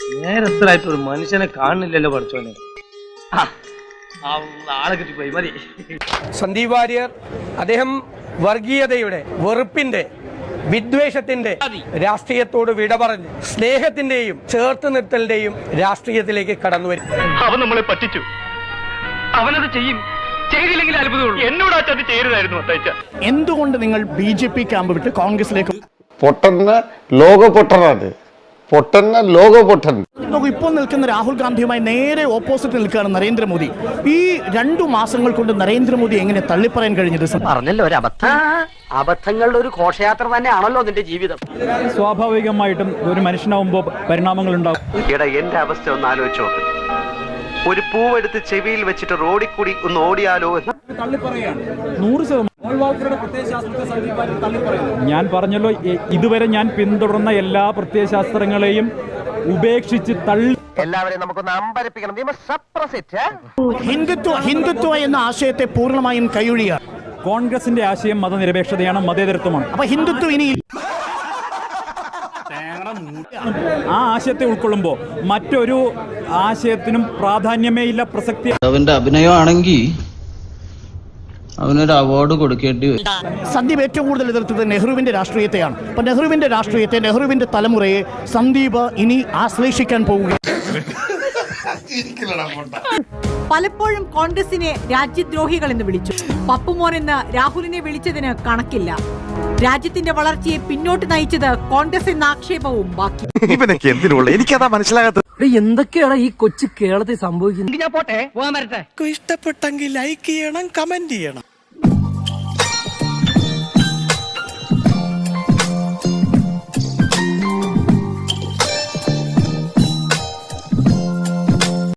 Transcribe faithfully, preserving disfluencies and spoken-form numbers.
നേരത്തിലായിട്ട് ഒരു മനുഷ്യനെ കാണുന്നില്ലല്ലോ പഠിച്ചോനെ. ആളെ കിട്ടിപ്പോയി മതി. സന്ദീപ് വാര്യർ അദ്ദേഹം വർഗീയതയുടെ, വെറുപ്പിന്റെ, വിദ്വേഷത്തിന്റെ രാഷ്ട്രീയത്തോട് വിട പറഞ്ഞ് സ്നേഹത്തിന്റെയും ചേർത്ത് നിർത്തലിന്റെയും രാഷ്ട്രീയത്തിലേക്ക് കടന്നു വരും. അവൻ നമ്മളെ പറ്റിച്ചു, അവനത് ചെയ്യും. ചെയ്തില്ലെങ്കിൽ അത്ഭുതമുള്ളൂ. എന്നോട് ആ ചതി ചെയ്യരുതായിരുന്നു അത്തയ്ച്ച. എന്തുകൊണ്ട് നിങ്ങൾ ബി ജെ പി ക്യാമ്പ് വിട്ട് കോൺഗ്രസിലേക്ക്? പൊട്ടന്ന ലോക പൊട്ടനാണ്, പൊട്ടന്ന ലോക പൊട്ടൻ. ഇപ്പോൾ നിൽക്കുന്ന രാഹുൽ ഗാന്ധിയുമായി നേരെ ഓപ്പോസിറ്റ് നിൽക്കുകയാണ് നരേന്ദ്രമോദി. ഈ രണ്ടു മാസങ്ങൾ കൊണ്ട് നരേന്ദ്രമോദി എങ്ങനെ തള്ളിപ്പറയാൻ കഴിഞ്ഞത്? പറഞ്ഞല്ലോ ഒരു അബദ്ധം. അബദ്ധങ്ങളുടെ ഒരു ഘോഷയാത്ര തന്നെയാണല്ലോ നിന്റെ ജീവിതം. സ്വാഭാവികമായിട്ടും ഒരു മനുഷ്യനാവുമ്പോ പരിണാമങ്ങൾ ഉണ്ടാവും. എന്റെ അവസ്ഥ ഒന്ന് ആലോചിച്ചോ. ഒരു പൂവെടുത്ത് ചെവിയിൽ വെച്ചിട്ട് റോഡിൽ കൂടി ഒന്ന് ഓടിയാലോ എന്ന് നൂറ് ശതമാനം ഞാൻ പറഞ്ഞല്ലോ. ഇതുവരെ ഞാൻ പിന്തുടർന്ന എല്ലാ പ്രത്യയശാസ്ത്രങ്ങളെയും ഉപേക്ഷിച്ച് തള്ളി. എല്ലാവരെയും നമുക്കൊന്ന് അമ്പരപ്പിക്കണം. ഹിന്ദുത്വ ഹിന്ദുത്വ എന്ന ആശയത്തെ പൂർണ്ണമായും കൈയൊഴിയാണ്. കോൺഗ്രസിന്റെ ആശയം മതനിരപേക്ഷതയാണ്, മതേതരത്വമാണ്. അപ്പൊ ഹിന്ദുത്വം ഇനി ആ ആശയത്തെ ഉൾക്കൊള്ളുമ്പോൾ മറ്റൊരു ആശയത്തിനും പ്രാധാന്യമേ ഇല്ല, പ്രസക്തി. അവന്റെ അഭിനയമാണെങ്കിൽ അവനൊരു അവാർഡ് കൊടുക്കേണ്ടി വരും. സന്ദീപ് ഏറ്റവും കൂടുതൽ എതിർത്തത് നെഹ്റുവിന്റെ രാഷ്ട്രീയത്തെയാണ്. അപ്പൊ നെഹ്റുവിന്റെ രാഷ്ട്രീയത്തെ, നെഹ്റുവിന്റെ തലമുറയെ സന്ദീപ് ഇനി ആശ്ലേഷിക്കാൻ പോവുക. പലപ്പോഴും കോൺഗ്രസിനെ രാജ്യദ്രോഹികൾ എന്ന് വിളിച്ചു. പപ്പുമോൻ എന്ന് രാഹുലിനെ വിളിച്ചതിന് കണക്കില്ല. രാജ്യത്തിന്റെ വളർച്ചയെ പിന്നോട്ട് നയിച്ചത് കോൺഗ്രസ് എന്ന ആക്ഷേപവും ബാക്കി. ഇവനൊക്കെ എന്തിനുള്ള എനിക്കതാ മനസ്സിലാകാത്തത്. എന്തൊക്കെയാണ് ഈ കൊച്ചു കേരളത്തിൽ സംഭവിക്കുന്നത്? ഇഷ്ടപ്പെട്ടെങ്കിൽ ലൈക്ക് ചെയ്യണം, കമന്റ് ചെയ്യണം.